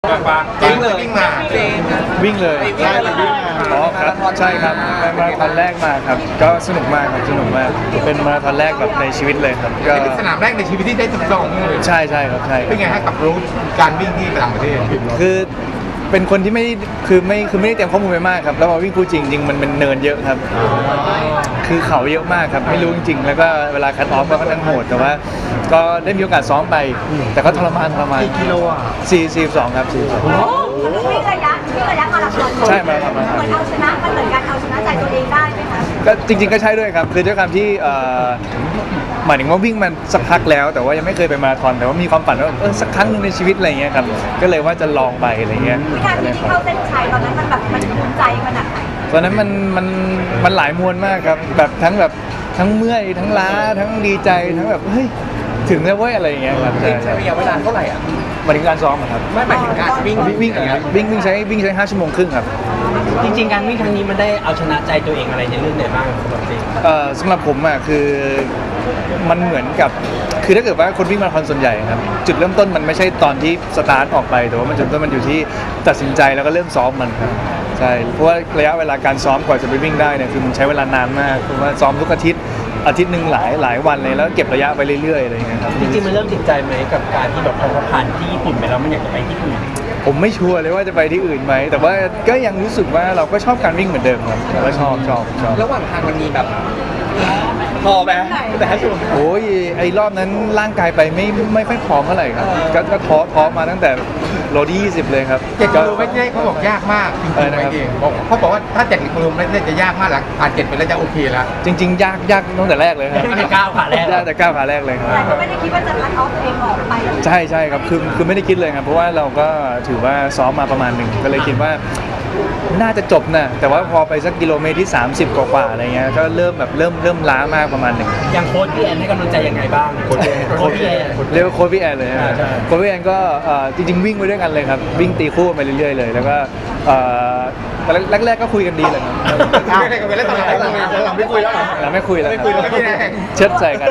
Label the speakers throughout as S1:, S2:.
S1: ปะวิ่งเลยวิ่งมา
S2: วิ่งเลย
S1: ใช่วิ่งมา
S2: อ๋อครับใช่ครับเป็นมาราธอนแรกมาครับก็สนุกมากครับสนุกมากเป็นมาราธอนแรกแบบในชีวิตเลยครับก็
S1: เป็นสนามแรกในชีวิตที่ได้ทดลองเลย
S2: ใช่ครับใช่
S1: เป็นไงฮะกับรู้การวิ่งที่ต่างประเทศ
S2: คือเป็นคนที่ไม่ได้เตรียมข้อมูลไปมากครับแล้วมาวิ่งคู่จริงมันเป็นเนินเยอะครับคือเขาเยอะมากครับไม่รู้จริงๆแล้วก็เวลาคัทออฟก็ค่อนข้างโหดแต่ว่าก็ได้มีโอกาสซ้อมไปแต่ก็ทรมาน
S1: กี่กิโลอ่ะ
S2: 42ครับ42
S3: วิ่งระยะมาราธอน
S2: ใช่มาราธอน
S3: เหมือนเอาชนะมันเหมือนการเอาชนะใจตัวเองได้ไหมคะ
S2: ก็จริงๆก็ใช่ด้วยครับคือด้วยความที่หมายถึงว่าวิ่งมันสักพักแล้วแต่ว่ายังไม่เคยไปมาราธอนแต่ว่ามีความฝันว่าสักครั้งหนึ่งในชีวิตอะไรเงี้ยครับก็เลยว่าจะลองไปอะไรเงี้ย
S3: วินาทีที่เข้าเส้นชัยตอนนั้นมันแบบมันภูมิใจขนาดไหน
S2: ตอนนั้นมันหลายมวลมากครับแบบทั้งเมื่อยทั้งล้าทั้งดีใจทั้งแบบเฮ้ยถึงแล้วเว้ยอะไรเงี้ยครับ
S1: ใช้ระยะเวลาเท่าไหร่อ่ะ
S2: หมายถึงการซ้อมครับ
S1: ไม่หมายถึงการวิ่ง
S2: ครับวิ่งใช้5 ชั่วโมงครึ่งครับ
S4: จริงๆการวิ่งครั้งนี้มันได้เอาชนะใจตัวเองอะไรในเรื่องไหนบ้างสำหรับจริง
S2: สำหรับผมอ่ะคือมันเหมือนกับคือถ้าเกิดว่าคนวิ่งมาราธอนส่วนใหญ่ครับจุดเริ่มต้นมันไม่ใช่ตอนที่สตาร์ทออกไปแต่ว่ามันจุดเริ่มต้นมันอยู่ที่ตัดสินใจแล้วก็เริ่มซ้อมมันครับใช่เพราะว่าระยะเวลาการซ้อมกว่าจะไปวิ่งได้เนี่ยคือมันใช้เวลานานมากเพราะว่าซ้อมทุกอาทิตย์หนึ่งหลายวันเลยแล้วเก็บระยะไปเรื่อยๆอะไรอย่างเงี้ยครับ
S4: จริงๆมันเริ่มติดใจไหมกับการที่แบบพอผ่านที่ญี่ปุ่นไปแล้วมันอยากจะไปที่อื่น
S2: ผมไม่ชัวร์เลยว่าจะไปที่อื่นไหมแต่ว่าก็ยังรู้สึกว่าเราก็ชอบการวิ่งเหมือนเดิมครับเราชอบ
S1: ระหว่างทางมันมีแบบพอไหมแต่ถ้าชัวร์
S2: โอ้ยไอ้รอบนั้นร่างกายไปไม่ค่อยพร้อมเท่าไหร่ครับก็ท้อมาตั้งแต่โลที่20เลยครับ
S1: 7 กิโลเมตรนี่เขาบอกยากมากจริงๆเองเขาบอกว่าถ้า7 กิโลเมตรจะยากมากหลังผ่าน7ไปแล้วจะโอเคแล้ว
S2: จริงๆยากตั้งแต่แรกเลยครับ
S4: ตั้งแต่ก้าวขาแรก
S2: ยากแต่ก้าวขาแรกเลยครับ
S3: แต่ก็ไม่ได้คิดว่าจะคัดออฟตัวเองออกไป
S2: ใช่ครับคือไม่ได้คิดเลยครับเพราะว่าเราก็ถือว่าซ้อมมาประมาณหนึ่งก็เลยคิดว่าน่าจะจบนะแต่ว่าพอไปสักกิโลเมตรที่30กว่าอะไรเงี้ยก็เริ่มล้ามากประมาณหนึ่ง
S4: อย่างโค้ชพี่แอนให้กำลังใจยังไงบ้างโค้ชพี่แอน
S2: เรียกว่าโค้ชพี่แอนเลยโค้ชพี่แอนก็จริงๆวิ่งไปด้วยกันเลยครับวิ่งตีคู่ไปเรื่อยๆเลยแล้วก็แรกๆก็คุยกันดีเลยครับ
S1: หลังไม่คุยแล้ว
S2: หลังไม่คุยแล้วเชิดใส่กัน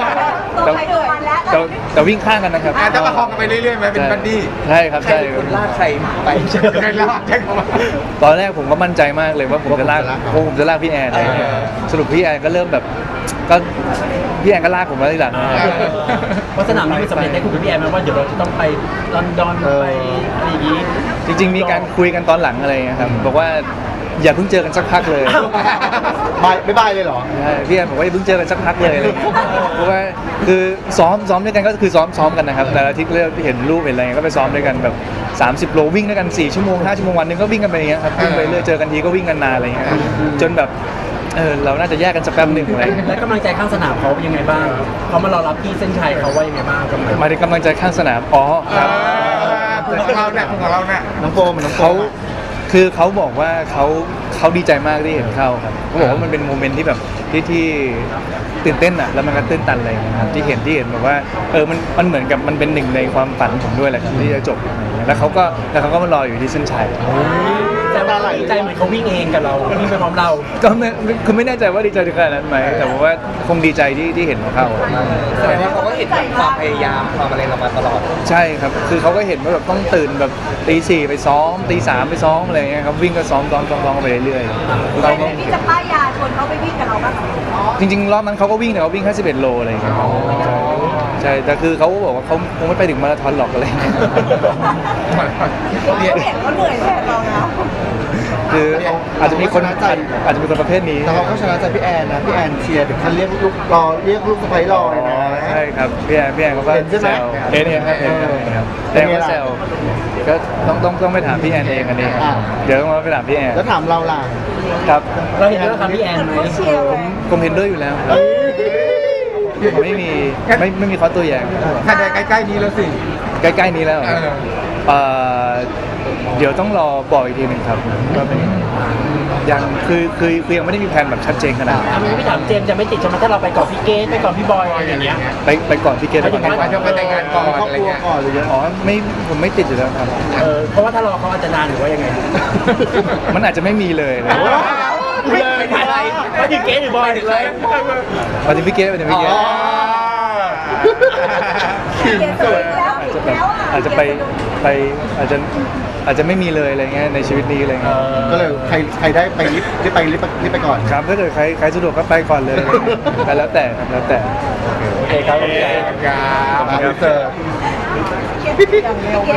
S2: แต่วิ่งข้างกันนะครับ
S1: จะประคองกันไปเรื่อยๆไหมเป็นบัดดี้
S2: ใช่ครับใช่
S1: คนลากใครไปใครลากใช่ไหม
S2: ตอนแรกผมก็มั่นใจมากเลยว่าผมจะลากพี่แอนสรุปพี่แอนก็เริ่มแบบก็พี่แอนก็ลากผมมาทีหลัง
S4: เพราะสนามนี้มันสำเร็จได้คุยกับพี่แอนมาว่าเดี๋ยวเราจะต้องไปลอนดอนไปอะไรอย่างนี้
S2: จริงๆมีการคุยกันตอนหลังอะไรครับบอกว่าอย่าเพิ่งเจอกันสักพักเลย
S1: ไม่บายเลยเหรอ
S2: พี่แอนบอกว่าอย่าเพิ่งเจอกันสักพักเลยเพราะว่าคือซ้อมด้วยกันก็คือซ้อมกันนะครับแต่ละอาทิตย์ก็เห็นรูปเห็นอะไรก็ไปซ้อมด้วยกันแบบ30 โลวิ่งด้วยกัน4 ชั่วโมง5 ชั่วโมงวันนึงก็วิ่งกันไปอย่างเงี้ยครับวิ่งไปเรื่อยเจอกันทีก็วิ่งกันนานอะไรเงี้ยจนแบบเราน่าจะแยกกันสักแป๊บหนึ่งอะไร
S4: แล้วกำลังใจข้างสนามเขาเป็นยังไงบ้างเขามารอรับที่เส้นชัยเขาว่ายังไงบ้าง
S2: มาถึงกำลังใจข้างสนามครับ
S1: ของเราเนี่ย
S2: น้องโฟมเขาคือเขาบอกว่าเขาดีใจมากที่เห็นเข้าครับเขาบอกว่ามันเป็นโมเมนต์ที่แบบที่ตื่นเต้นอ่ะแล้วมันก็ตื้นตันอะไรนะครับที่เห็นแบบว่ามันเหมือนกับมันเป็นหนึ่งในความฝันผมด้วยแหละครับที่จะจบอะไรอย่างเงี้ยแล้วเขาก็มารออยู่ที่เส้นชัย
S4: แต่ว่าดีใจเหมือนเขาวิ่งเองกับเราวิ่งไปพร้อมเรา
S2: ก็คือไม่แน่ใจว่าดีใจถึงขนาดนั้นไหมแต่ว่าคงดีใจที่เห็นเขาเข้า
S1: แสดงว่าเขาก็เห็นความพยายามความอะไรเรามาตลอด
S2: ใช่ครับคือเขาก็เห็นว่าแบบต้องตื่นแบบตี 4ไปซ้อมตี 3ไปซ้อมอะไรเงี้ยครับวิ่งก็ซ้อมไปเรื่อย
S3: ๆเราพี่จะป้ายยาชวนเขาไปวิ่งกับเราบ้าง
S2: จริงๆรอบนั้นเขาก็วิ่งแต่เขาวิ่งแค่11 โลอะไรอย่างเงี้ยใช่แต่คือเขาบอกว่าเขาคงไม่ไปถึงมาราธอนหรอกอะไรเงี้ย
S3: เขาเหนื่อยแทนเรานะ
S2: คืออาจจะมีคนประเภทนี้
S1: แต่เขาก็ชนะใจพี่แอนนะพี่แอนเชียร์ถึงขั้นเรียกลูกสะใภ้รอเลยนะ
S2: ใช่ครับพี่แอนเขาก็แซวเห็นครับแต่ก็แซวก็ต้องไปถามพี่แอนเองอันนี้เดี๋ยวต้องไปถามพี่แอน
S1: แล้วถามเราล่ะ
S2: ครับ
S4: เราเห็นด้วยครับพี่แอนไหม
S2: ผมเห็นด้วยอยู่แล้วครับไม่มีข้อตัวอย่าง
S1: ถ้าได้ใกล้ๆนี้แล้วสิ
S2: ใกล้ๆนี้แล้วเดี๋ยวต้องรอบอกอีกทีหนึ่งครับว่าเป็นยังคือยังไม่ได้มีแผนแบบชัดเจนขนาดนั้น
S4: พี่ถามเจมส์จะไม่ติดใช่ไหมถ้าเราไปก่อนพี่เกสไปก่อนพี่บอยอะไรอย่างเงี้ย
S2: ไปก่อนพี่เกส
S1: ไปก่อนไปแต่งงานก่อนอะไรเงี้ย
S2: ผมไม่ติดอยู่แล้วครับ
S4: เพราะว่าถ้ารอเขาอาจจะนานหรือว่ายังไง
S2: มันอาจจะไม่มีเลย
S4: ไม่ถึงเกสหรือบอยถึงเลย
S2: มาถึงพี่เกส
S1: ขิงสวย
S2: อาจจะอาจจะไม่มีเลยอะไรเงี้ยในชีวิตนี้อะไรเงี้ย
S5: ก็เลยใครได้ไปรีบไปก่อน
S2: ครับถ้าเกิดใครสะดวกก็ไปก่อนเลยแต่แล้วแต่ครับแล้วแต่
S4: โอเคครับ
S1: ครับ
S5: อินเสิร์ต
S3: อย่างเร็ว